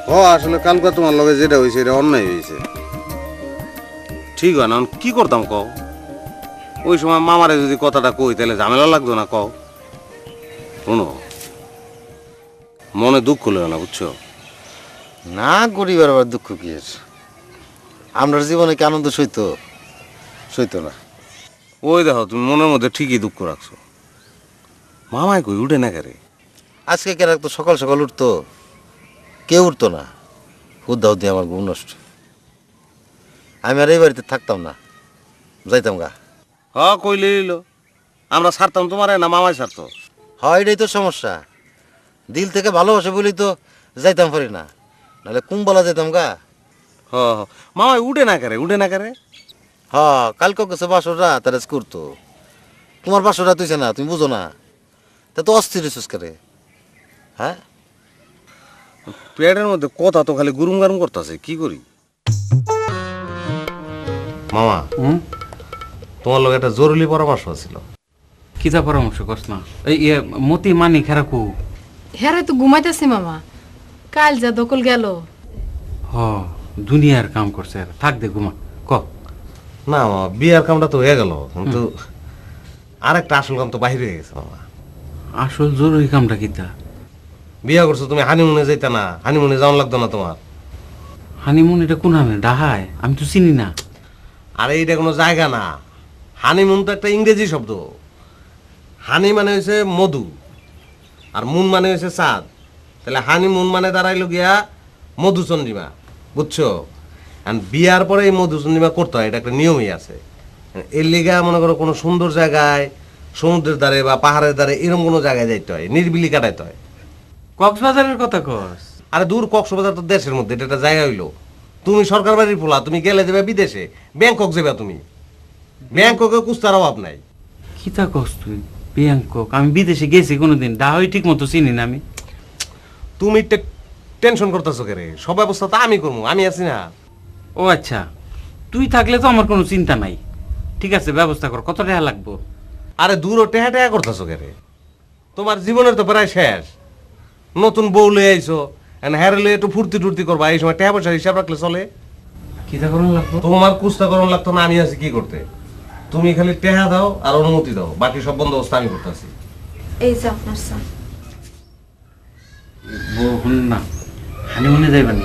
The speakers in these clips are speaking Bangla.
আসলে কালকে তোমার লগে যেটা হয়েছে এটা অন্যায় হয়েছে। ঠিক হয় না, কি করতাম কও? ওই সময় মামারে যদি কথাটা কই তাহলে ঝামেলা লাগতো না কও? শোনো, মনে দুঃখ লেও না, বুঝছো? না, গরিবের আবার দুঃখ কি এর? আমরা জীবনে কি আনন্দ সইতো না। ওই দেখো, তুমি মনের মধ্যে ঠিকই দুঃখ রাখছো। মামায় কই উঠে না কেরে? আজকে কেন তো সকাল সকাল উঠতো, কেউ উঠতো না। হুদ্দা হুদ্দি আমার ঘুম নষ্ট। আমি আর এই বাড়িতে থাকতাম না, যাইতাম গা। কইলে নিল, আমরা ছাড়তাম তোমারে না মামায় ছাড়তো? এটাই তো সমস্যা। দিল থেকে ভালোবাসে বলেই তো যাইতাম পারি না, নাহলে কুম্বলা যেতাম গা। মামায় উঠে না কেরে? কালকে গেছে বাসরা তারা করতো। তোমার বাসরা তুইছে না, তুমি বুঝো না। তা তো অস্থির হইছিস করে। হ্যাঁ, পেটের মধ্যে কথা তো খালি গুরুম গারুম করতেছে, কি করি? মামা, তোমার লোক একটা জরুরি পরামর্শ ছিল। কিতা পরামর্শ করছ না? এই মতি মানি খেরাকু। হেরে তো ঘুমাইতেছি মামা, কাল যা দখল গেল। দুনিয়ার কাম করছে, থাক দে ঘুমা। ক না মামা, বিয়ার কামটা তো হয়ে গেল, কিন্তু আরেকটা আসল কাম তো বাহির হয়ে গেছে মামা। আসল জরুরি কামটা কিতা? বিয়া করছো তুমি, হানিমুনে যাইতা না? হানিমুনে যাওয়ান লাগতো না তোমার? হানিমুন এটা কোন হামে? ডাহায় আমি তো চিনি না। আরে এইটা কোনো জায়গা না। হানিমুন তো একটা ইংরেজি শব্দ। হানি মানে হয়েছে মধু, আর মুন মানে হয়েছে চাঁদ। তাহলে হানিমুন মানে দাঁড়াইলো গিয়া মধুচন্দ্রিমা, বুঝছো? বিয়ার পরে এই মধুচন্দ্রিমা করতে হয়, এটা একটা নিয়মই আছে। এর লিগা মনে করো কোনো সুন্দর জায়গায়, সমুদ্রের ধারে বা পাহাড়ের ধারে এরকম কোনো জায়গায় যাইতে হয়, নির্বিলি কাটাইতে হয়। কক্সবাজারের কথা কস? আরে দূর, কক্সবাজার তো দেশের মধ্যে, এটা একটা জায়গা হইলো। তুমি সরকার বাড়ির পোলা, তুমি গেলে যাবে বিদেশে, ব্যাংকক যাবে তুমি। ব্যাংককে কুস্তার অভাব নাই। কিতা কস তুই? ব্যাংকক? আমি বিদেশে গেছি কোনোদিন, ডাহাই ঠিক মতো চিনি না আমি। তুমি টেনশন করতেছো কে রে? সব ব্যবস্থা তো আমি করবো, আমি আছি না। ও আচ্ছা, তুই থাকলে তো আমার কোনো চিন্তা নাই। ঠিক আছে, ব্যবস্থা কর। কত টাকা লাগবো? আরে দূর টেহা টেহা করতেছো কে রে? তোমার জীবনের তো প্রায় শেষ। নতুন বউ লয়ে আইছো, হ্যাঁ লয়ে একটু ফুর্তি টুর্তি করবা, এই সময় টাকা পয়সার হিসাব রাখলে চলে? কিতা করুন লাগবো? তোমার কুস্তা করণ লাগতো না, আমি আছি কি করতে। তুমি খালি টেহা দাও আর অনুমতি দাও, বাকি সব বন্দোবস্ত আমি করতেছি। এই যে আপনার স্যার। শুন না, হানিমুনে যাইবানি?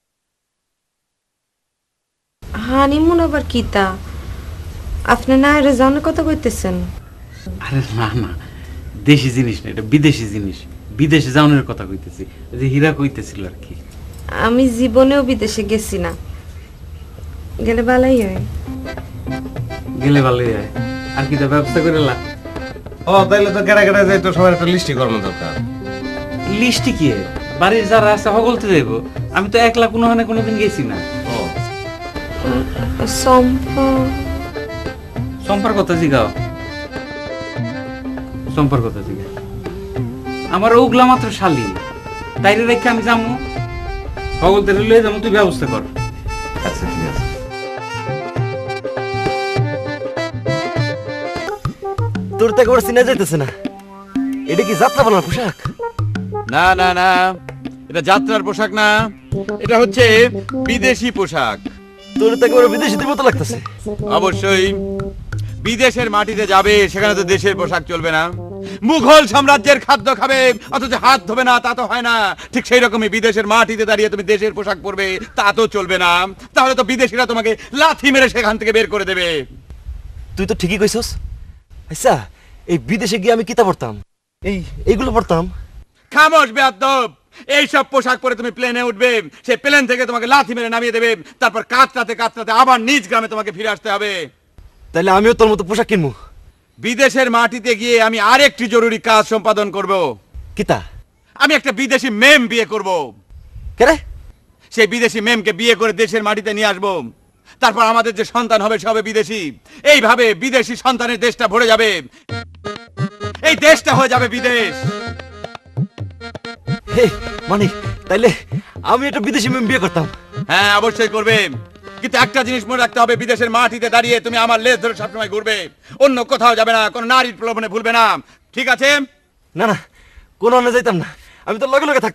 হানিমুন আবার কিতা? আপনি না এর জানার কথা কইতেছেন? আরে না না, দেশি জিনিস না, এটা বিদেশি জিনিস। বিদেশে যাওয়ানোর কথা কইতেছি, যে হীরা কইতেছিল আর কি। আমি জীবনেও বিদেশে গেছি না, গেলে ভালোই হয়। গেলে ভালোই হয়। আর কিতা ব্যবস্থা করে লা? তাইলে তো কেডা কেডা যাই, তো সবার একটা লিস্টি করানো দরকার। লিস্টি কি? বাড়ির যারা আছে হগলতে দেব। আমি তো একলা কোনোদিন গেছি না। সম্পর্ক কথা জিগাও, সম্পর্ক কথা জিগা। আমার ওগুলা মাত্র শালি, তাইরে রেখে আমি যাবো? হগলতে লয়ে যাবো, তুই ব্যবস্থা কর। আচ্ছা ঠিক আছে। তোর তো একবার চিনা যাইতেছে না। এটা কি যাত্রা বানার পোশাক? না না না, এটা যাত্রার পোশাক না, এটা হচ্ছে বিদেশি পোশাক। তোর তো একবার বিদেশিদের মতো লাগতেছে। অবশ্যই, বিদেশের মাটিতে যাবে, সেখানে তো দেশের পোশাক চলবে না। মুঘল সাম্রাজ্যের খাদ্য খাবে অথচ হাত ধোবে না, তা তো হয় না। ঠিক সেই রকমই বিদেশের মাটিতে দাঁড়িয়ে তুমি দেশের পোশাক পরবে, তা তো চলবে না। তাহলে তো বিদেশিরা তোমাকে লাথি মেরে সেখান থেকে বের করে দেবে। তুই তো ঠিকই কইছস। আচ্ছা, এই বিদেশে গিয়ে আমি কিতা পড়তাম? এইগুলো পড়তাম। খামোশ বেয়াদব! এইসব পোশাক পরে তুমি প্লেনে উঠবে, সেই প্লেন থেকে তোমাকে লাথি মেরে নামিয়ে দেবে, তারপর কাতরাতে কাতরাতে আবার নিজ গ্রামে তোমাকে ফিরে আসতে হবে। তাহলে আমিও তোর মতো পোশাক কিনবো। বিদেশের মাটিতে গিয়ে আমি আরেকটি জরুরি কাজ সম্পাদন করব। কিতা? আমি একটা বিদেশি মেম বিয়ে করব। কেরে? সেই বিদেশি মেমকে বিয়ে করে দেশের মাটিতে নিয়ে আসব। তারপর আমাদের যে সন্তান হবে সে হবে বিদেশি। এইভাবে বিদেশি সন্তানের দেশটা ভরে যাবে, এই দেশটা হয়ে যাবে বিদেশ। মানে তাইলে আমি একটা বিদেশি মেয়ে বিয়ে করতাম? হ্যাঁ, অবশ্যই করবে। কিন্তু একটা জিনিস মনে রাখতে হবে, বিদেশের মাটিতে দাঁড়িয়ে তুমি আমার লেজ ধরে সবসময় ঘুরবে, অন্য কোথাও যাবে না, কোনো নারীর প্রলোভনে ভুলবে না, ঠিক আছে? না না, কোনো যাইতাম না, আমি তো লগে লগে থাকতাম।